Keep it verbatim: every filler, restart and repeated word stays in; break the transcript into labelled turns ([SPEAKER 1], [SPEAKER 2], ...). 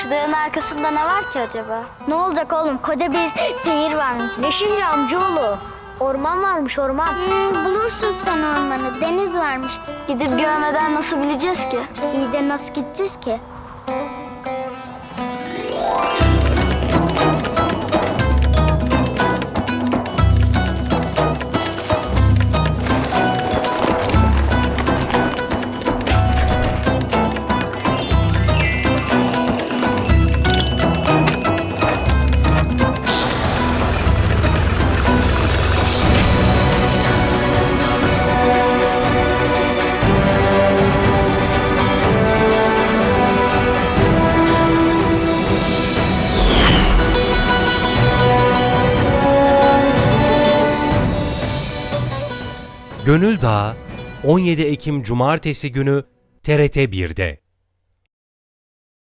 [SPEAKER 1] Şu dağın arkasında ne var ki acaba?
[SPEAKER 2] Ne olacak oğlum? Koca bir şehir varmış.
[SPEAKER 1] Ne şehri amcaoğlu?
[SPEAKER 2] Orman varmış orman.
[SPEAKER 1] Hmm, bulursun sen ormanı. Deniz varmış. Gidip görmeden nasıl bileceğiz ki?
[SPEAKER 2] İyi de nasıl gideceğiz ki?
[SPEAKER 3] Gönül Dağı on yedi Ekim Cumartesi günü T R T bir'de.